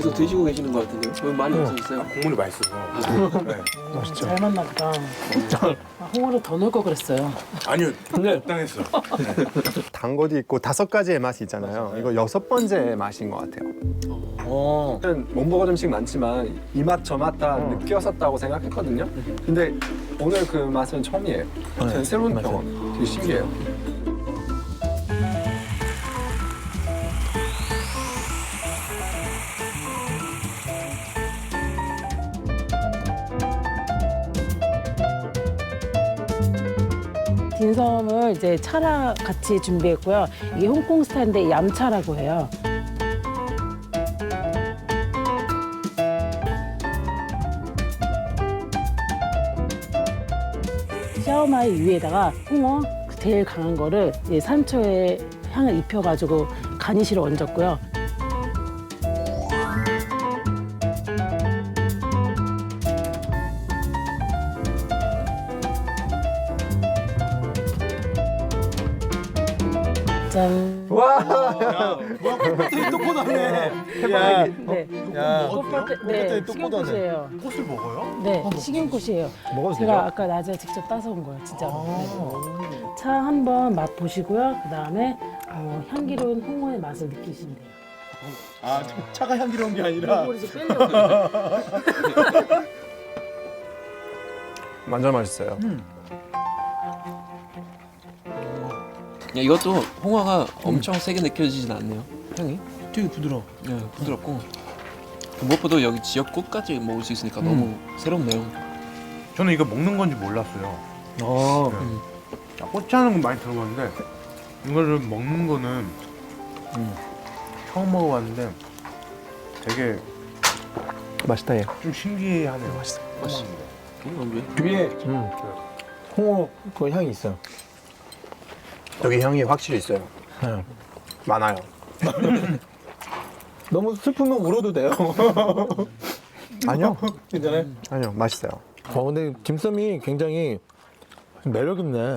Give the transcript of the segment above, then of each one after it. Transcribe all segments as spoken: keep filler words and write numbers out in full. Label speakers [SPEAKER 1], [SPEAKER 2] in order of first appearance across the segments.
[SPEAKER 1] 계속 드시고 계시는 것 같은데요? 왜 많이 없어졌어요?
[SPEAKER 2] 아, 국물이 맛있어서. 네.
[SPEAKER 3] 맛있죠.
[SPEAKER 4] 잘 만나 보다. 아, 홍어를 더 넣을 걸 그랬어요.
[SPEAKER 2] 아니요, 적당했어.
[SPEAKER 3] 단 것도 있고 다섯 가지의 맛이 있잖아요. 이거 여섯 번째 맛인 것 같아요.
[SPEAKER 5] 어.
[SPEAKER 3] 못 먹은 음식 많지만 이 맛 저 맛 다 느꼈었다고 생각했거든요. 근데 오늘 그 맛은 처음이에요. 저는 새로운
[SPEAKER 5] 맞아요.
[SPEAKER 3] 경험. 되게 신기해요.
[SPEAKER 4] 딘섬을 이제 차랑 같이 준비했고요. 이게 홍콩 스타일인데 얌차라고 해요. 샤오마이 위에다가 홍어 제일 강한 거를 이제 산초에 향을 입혀가지고 가니쉬를 얹었고요. 짠.
[SPEAKER 5] 와, 꽃밭에 또 꽂았네. 야,
[SPEAKER 4] 네.
[SPEAKER 5] 야,
[SPEAKER 4] 꽃밭에 네,
[SPEAKER 5] 또 꽂았네.
[SPEAKER 4] 식용꽃이에요.
[SPEAKER 2] 꽃을 먹어요?
[SPEAKER 4] 네, 식용꽃이에요.
[SPEAKER 5] 먹어도
[SPEAKER 4] 제가
[SPEAKER 5] 돼요?
[SPEAKER 4] 아까 낮에 직접 따서 온 거예요, 진짜로. 네. 차 한번 맛 보시고요. 그 다음에 어, 향기로운 홍어의 맛을 느끼시면 돼요.
[SPEAKER 5] 아, 차가 향기로운 게 아니라.
[SPEAKER 4] 이걸 이제 빼려고.
[SPEAKER 3] 완전 맛있어요.
[SPEAKER 1] 야, 이것도 홍어가 엄청 세게 느껴지진 않네요. 향이.
[SPEAKER 5] 되게 부드러워.
[SPEAKER 1] 네, 부드럽고. 무엇보다 여기 지역 꽃까지 먹을 수 있으니까 너무 새롭네요.
[SPEAKER 2] 저는 이거 먹는 건지 몰랐어요.
[SPEAKER 5] 어.
[SPEAKER 2] 아, 꼬치하는 건 많이 들어봤는데 이거를 먹는 거는
[SPEAKER 5] 음.
[SPEAKER 2] 처음 먹어봤는데 되게
[SPEAKER 5] 맛있다 얘.
[SPEAKER 2] 좀 신기하네요. 맛있어.
[SPEAKER 1] 맛있어. 음, 왜?
[SPEAKER 5] 뒤에 음. 홍어 그 향이 있어요.
[SPEAKER 3] 여기 향이 확실히 있어요.
[SPEAKER 5] 네.
[SPEAKER 3] 많아요.
[SPEAKER 5] 너무 슬프면 울어도 돼요.
[SPEAKER 3] 아니요.
[SPEAKER 5] 괜찮아요?
[SPEAKER 3] 아니요. 맛있어요.
[SPEAKER 5] 어, 근데 딤섬이 굉장히 매력 있네.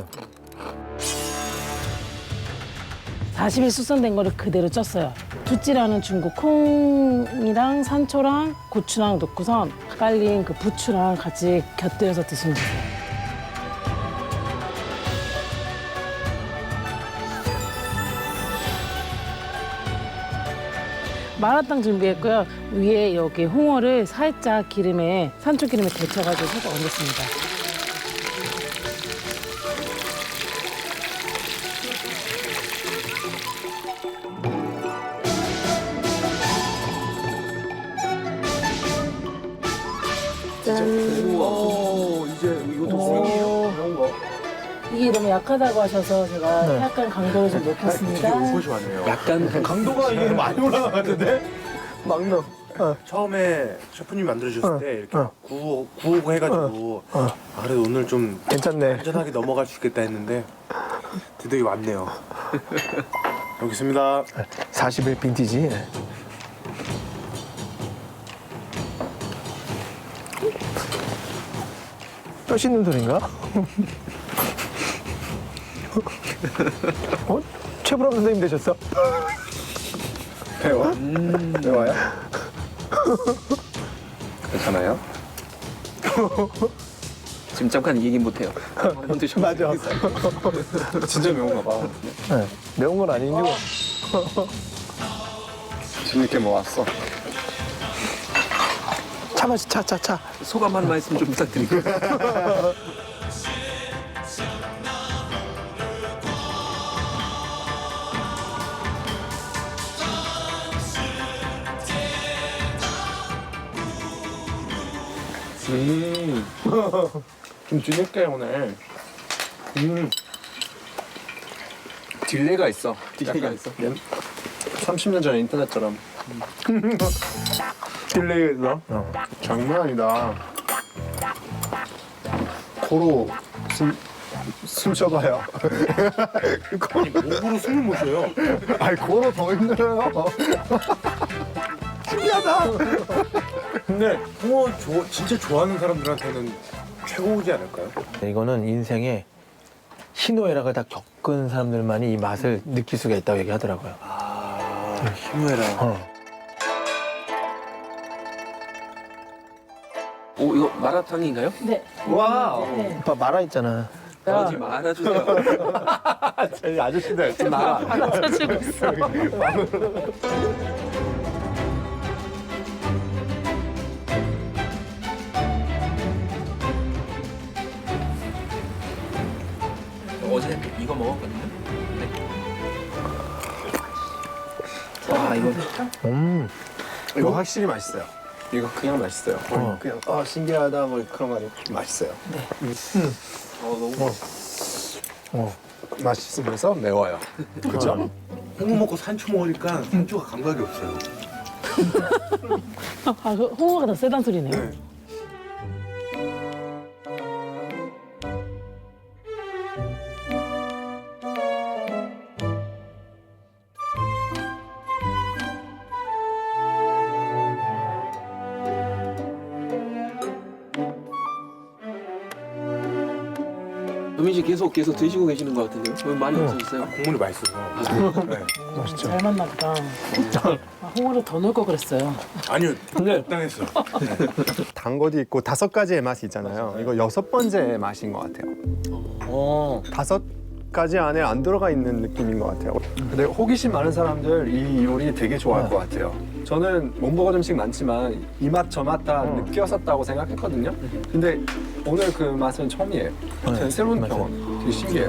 [SPEAKER 4] 사십 일 숙성된 거를 그대로 쪘어요. 두찌라는 중국 콩이랑 산초랑 고추랑 넣고선 깔린 그 부추랑 같이 곁들여서 드시면 돼요. 마라탕 준비했고요. 위에 여기 홍어를 살짝 기름에 산초 기름에 데쳐가지고 살짝 얹었습니다. 짠.
[SPEAKER 1] 오, 이제 이것도
[SPEAKER 4] 오.
[SPEAKER 1] 이런 거.
[SPEAKER 4] 이게 너무 약하다고 하셔서 제가
[SPEAKER 5] 네.
[SPEAKER 4] 약간 강도를 좀 높였습니다.
[SPEAKER 2] 옷이 왔네요.
[SPEAKER 1] 약간
[SPEAKER 5] 강도가 이게 많이 올라가는데? 막 넣어.
[SPEAKER 2] 처음에 셰프님 만들어주셨을
[SPEAKER 5] 어,
[SPEAKER 2] 때 이렇게
[SPEAKER 5] 어.
[SPEAKER 2] 구워, 구우고 해가지고
[SPEAKER 5] 어.
[SPEAKER 2] 아, 그래도 오늘 좀
[SPEAKER 5] 괜찮네.
[SPEAKER 2] 안전하게 넘어갈 수 있겠다 했는데 드디어 왔네요. 여기 있습니다.
[SPEAKER 5] 사십 일 빈티지. 뼈 씻는 소린가? 어? 최불암 선생님 되셨어?
[SPEAKER 3] 배워? 배워요? 괜찮아요?
[SPEAKER 1] 지금 잠깐 얘기 못 해요. 한번 드셔.
[SPEAKER 5] 맞아.
[SPEAKER 3] 진짜 매운가 봐.
[SPEAKER 5] 네, 매운 건 아니고.
[SPEAKER 3] 재밌게 먹었어.
[SPEAKER 5] 차 마시, 차, 차, 차.
[SPEAKER 1] 소감 한 말씀 좀 부탁드릴게요.
[SPEAKER 3] 음. 좀 뒤늦게 오늘. 음. 딜레이가 있어.
[SPEAKER 1] 딜레이가
[SPEAKER 3] 약간
[SPEAKER 1] 있어?
[SPEAKER 3] 옛- 삼십 년 전 인터넷처럼.
[SPEAKER 5] 딜레이가 있어? 어.
[SPEAKER 3] 장난 아니다. 코로 숨, 숨 쉬어봐요.
[SPEAKER 2] 아니 목으로 숨을 못 쉬어요.
[SPEAKER 3] 아니, 코로 더 힘들어요. 신기하다.
[SPEAKER 2] 근데 홍어 조, 진짜 좋아하는 사람들한테는 최고지 않을까요?
[SPEAKER 5] 이거는 인생에 희노애락을 다 겪은 사람들만이 이 맛을 느낄 수가 있다고 얘기하더라고요.
[SPEAKER 2] 아, 희노애락.
[SPEAKER 5] 어.
[SPEAKER 1] 오 이거 마라탕인가요?
[SPEAKER 4] 네.
[SPEAKER 3] 와우.
[SPEAKER 4] 네.
[SPEAKER 5] 오빠 말아 있잖아.
[SPEAKER 1] 하지 말아주세요.
[SPEAKER 3] 저희 아저씨들 좀 나가.
[SPEAKER 4] 하나 쳐주고 있어.
[SPEAKER 1] 어제 이거 먹었거든요. 네. 와 이거
[SPEAKER 5] 음.
[SPEAKER 3] 이거 확실히 맛있어요. 이거 그냥 맛있어요.
[SPEAKER 5] 어.
[SPEAKER 3] 그냥 어 신기하다 뭐 그런 거 아니고 맛있어요.
[SPEAKER 1] 어, 너무
[SPEAKER 5] 어.
[SPEAKER 3] 맛있으면서 매워요. 그렇죠?
[SPEAKER 2] 홍어 먹고 산초 먹으니까 산초가 감각이 없어요.
[SPEAKER 4] 아, 그 홍어가 더 세단 소리네요.
[SPEAKER 2] 네.
[SPEAKER 1] 유민 씨 계속 계속 드시고 계시는 것 같은데요? 왜 많이 없어졌어요?
[SPEAKER 2] 국물이 맛있어서. 네.
[SPEAKER 5] 맛있죠.
[SPEAKER 4] 잘 만나 보다. 아, 홍어를 더 넣을 걸 그랬어요.
[SPEAKER 2] 아니요,
[SPEAKER 5] 근데
[SPEAKER 2] 적당했어.
[SPEAKER 3] 단 것도 있고 다섯 가지의 맛이 있잖아요. 이거 여섯 번째 맛인 것 같아요.
[SPEAKER 5] 어.
[SPEAKER 3] 다섯 가지 안에 안 들어가 있는 느낌인 것 같아요. 근데 호기심 많은 사람들 이 요리 되게 좋아할 것 같아요. 저는 몸버거 점식 많지만 이 맛 저 맛 다 느꼈었다고 생각했거든요. 근데 오늘 그 맛은 처음이에요. 저는 새로운
[SPEAKER 5] 맞아요.
[SPEAKER 3] 경험. 되게 신기해요.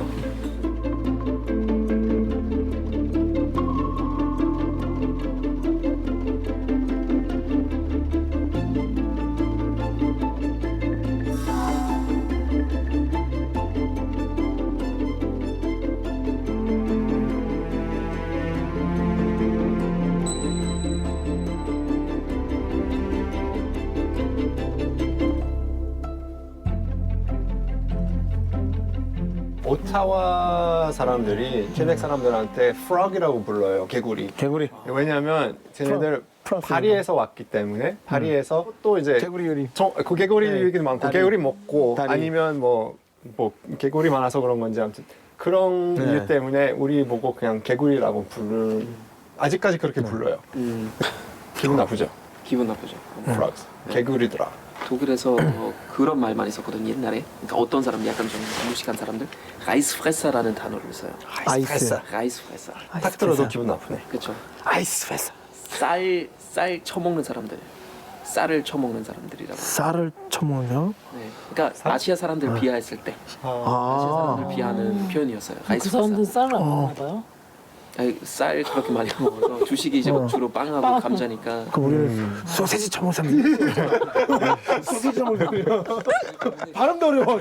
[SPEAKER 3] 오타와 사람들이 퀘벡 사람들한테 frog이라고 불러요. 개구리.
[SPEAKER 5] 개구리.
[SPEAKER 3] 왜냐하면 쟤네들
[SPEAKER 5] 프랑스.
[SPEAKER 3] 파리에서 왔기 때문에 파리에서 또 이제
[SPEAKER 5] 개구리 요리.
[SPEAKER 3] 저, 그 개구리
[SPEAKER 5] 네.
[SPEAKER 3] 얘기도 많고
[SPEAKER 5] 다리.
[SPEAKER 3] 개구리 먹고
[SPEAKER 5] 다리.
[SPEAKER 3] 아니면 뭐, 뭐 개구리 많아서 그런 건지 아무튼 그런
[SPEAKER 5] 네.
[SPEAKER 3] 이유 때문에 우리 보고 그냥 개구리라고 부를 아직까지 그렇게 불러요.
[SPEAKER 1] 음,
[SPEAKER 3] 기분 나쁘죠?
[SPEAKER 1] 기분 나쁘죠.
[SPEAKER 3] frogs. 개구리더라.
[SPEAKER 1] 독일에서 어, 그런 말 많이 썼거든요 옛날에. 그러니까 어떤 사람 약간 좀 무식한 사람들 라이스 프레사라는 단어를 써요.
[SPEAKER 5] 아이스.
[SPEAKER 1] 라이스 프레사.
[SPEAKER 3] 딱 들어도 기분 나쁘네.
[SPEAKER 1] 그렇죠.
[SPEAKER 5] 아이스 회사.
[SPEAKER 1] 쌀, 쌀 쳐먹는 사람들. 쌀을 쳐먹는 사람들이라고.
[SPEAKER 5] 쌀을 쳐먹는.
[SPEAKER 1] 네. 그러니까 아시아 사람들 비하했을 때 아시아
[SPEAKER 5] 아.
[SPEAKER 1] 사람들 비하하는 표현이었어요.
[SPEAKER 4] 그
[SPEAKER 1] 라이스
[SPEAKER 4] 사람들은
[SPEAKER 1] 프레사.
[SPEAKER 4] 쌀을 안 먹나 봐요.
[SPEAKER 1] 아니, 쌀 그렇게 많이 먹어서 주식이 이제 막 주로 빵하고
[SPEAKER 4] 빵.
[SPEAKER 1] 감자니까.
[SPEAKER 5] 그 우리는 소세지 쳐먹는 사람들. 소세지 쳐먹는 사람. 발음도 어려워.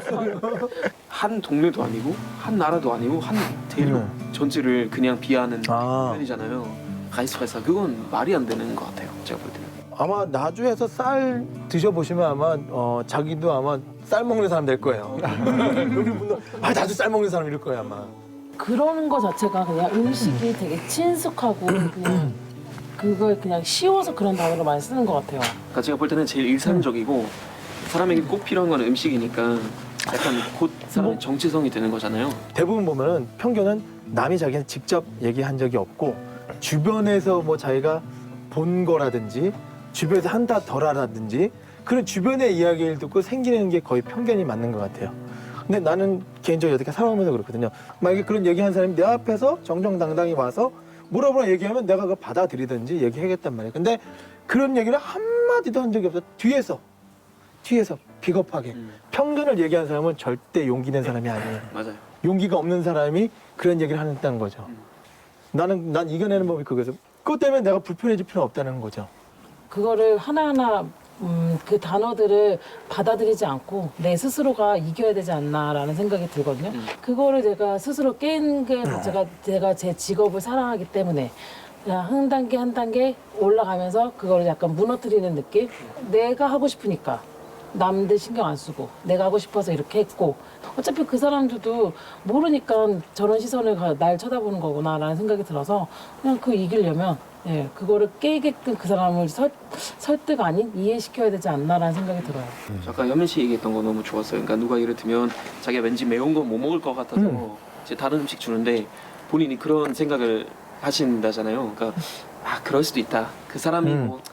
[SPEAKER 1] 한 동네도 아니고 한 나라도 아니고 한 대륙
[SPEAKER 5] 음.
[SPEAKER 1] 전체를 그냥 비하는
[SPEAKER 5] 아.
[SPEAKER 1] 표현이잖아요. 라이스 프레사 그건 말이 안 되는 것 같아요. 제가 볼 때는.
[SPEAKER 5] 아마 나주에서 쌀 드셔보시면 아마 어, 자기도 아마 쌀 먹는 사람 될 거예요. 여기 분들 아 나도 쌀 먹는 사람 이럴 거예요 아마.
[SPEAKER 4] 그러는 거 자체가 그냥 음식이 되게 친숙하고 그냥 그걸 그냥 쉬워서 그런 단어를 많이 쓰는 것 같아요.
[SPEAKER 1] 그러니까 제가 볼 때는 제일 일상적이고 사람에게 꼭 필요한 건 음식이니까 약간 곧 사람의 정체성이 되는 거잖아요.
[SPEAKER 5] 대부분 보면은 편견은 남이 자기한테 직접 얘기한 적이 없고 주변에서 뭐 자기가 본 거라든지 주변에서 한다 덜하라든지 그런 주변의 이야기를 듣고 생기는 게 거의 편견이 맞는 것 같아요. 근데 나는 개인적으로 어떻게 살아오면서 그렇거든요. 만약에 그런 얘기한 사람이 내 앞에서 정정당당히 와서 뭐라고 얘기하면 내가 그거 받아들이든지 얘기하겠단 말이에요. 근데 그런 얘기를 한마디도 한 적이 없어. 뒤에서 뒤에서 비겁하게
[SPEAKER 1] 음.
[SPEAKER 5] 편견을 얘기하는 사람은 절대 용기 낸 사람이 아니에요.
[SPEAKER 1] 맞아요.
[SPEAKER 5] 용기가 없는 사람이 그런 얘기를 한다는 거죠.
[SPEAKER 1] 음.
[SPEAKER 5] 나는 난 이겨내는 법이 그거죠. 그것 때문에 내가 불편해질 필요는 없다는 거죠.
[SPEAKER 4] 그거를 하나하나 음, 그 단어들을 받아들이지 않고 내 스스로가 이겨야 되지 않나라는 생각이 들거든요.
[SPEAKER 1] 음.
[SPEAKER 4] 그거를 제가 스스로 깬 게 제가 제가 제 직업을 사랑하기 때문에 그냥 한 단계 한 단계 올라가면서 그거를 약간 무너뜨리는 느낌. 내가 하고 싶으니까 남들 신경 안 쓰고 내가 하고 싶어서 이렇게 했고 어차피 그 사람들도 모르니까 저런 시선을 가- 날 쳐다보는 거구나라는 생각이 들어서 그냥 그 이기려면 예, 그거를 깨게끔 그 사람을 설, 설득 아닌 이해시켜야 되지 않나라는 생각이 들어요.
[SPEAKER 1] 아까 현민 씨 얘기했던 거 너무 좋았어요. 그러니까 누가 예를 들면 자기가 왠지 매운 거 못 먹을 것 같아서
[SPEAKER 5] 음.
[SPEAKER 1] 이제 다른 음식 주는데 본인이 그런 생각을 하신다잖아요. 그러니까 아 그럴 수도 있다. 그 사람이
[SPEAKER 5] 음.
[SPEAKER 1] 뭐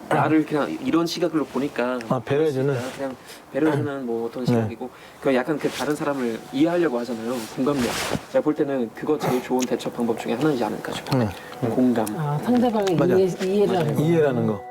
[SPEAKER 1] 나를 그냥 이런 시각으로 보니까
[SPEAKER 5] 아, 배려해주는?
[SPEAKER 1] 그냥 배려해주는 뭐 어떤 시각이고 그 약간 그 다른 사람을 이해하려고 하잖아요. 공감력. 제가 볼 때는 그거 제일 좋은 대처 방법 중에 하나이지 않을까 싶어요.
[SPEAKER 5] 네.
[SPEAKER 1] 공감.
[SPEAKER 4] 아, 상대방을
[SPEAKER 5] 맞아.
[SPEAKER 4] 이해, 이해를 하는 거.
[SPEAKER 5] 이해라는 거.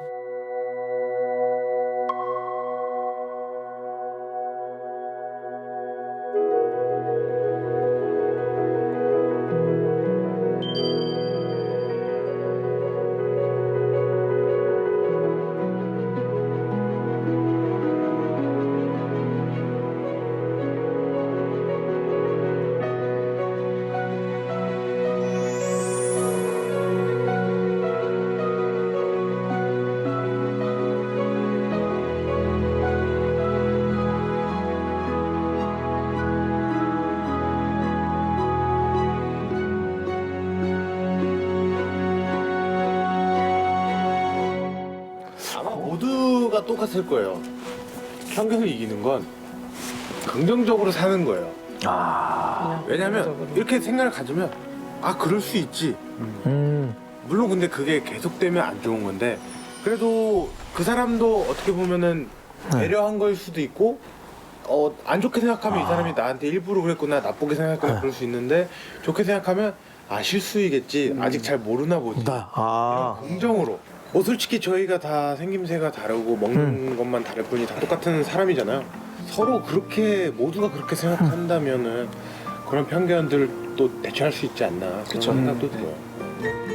[SPEAKER 2] 아마 모두가 똑같을 거예요. 편견을 이기는 건 긍정적으로 사는 거예요.
[SPEAKER 5] 아.
[SPEAKER 2] 왜냐면 이렇게 생각을 가지면 아 그럴 수 있지.
[SPEAKER 5] 음.
[SPEAKER 2] 물론 근데 그게 계속되면 안 좋은 건데 그래도 그 사람도 어떻게 보면은
[SPEAKER 5] 네.
[SPEAKER 2] 배려한 걸 수도 있고 어, 안 좋게 생각하면 이 사람이 나한테 일부러 그랬구나 나쁘게 생각하면
[SPEAKER 5] 네.
[SPEAKER 2] 그럴 수 있는데 좋게 생각하면 아 실수이겠지 아직 잘 모르나 보지
[SPEAKER 5] 나. 아.
[SPEAKER 2] 긍정으로 뭐 솔직히 저희가 다 생김새가 다르고 먹는 것만 다를 뿐이 다 똑같은 사람이잖아요. 서로 그렇게 모두가 그렇게 생각한다면은 그런 편견들을 또 대처할 수 있지 않나 그런
[SPEAKER 1] 그쵸.
[SPEAKER 2] 생각도 들어요.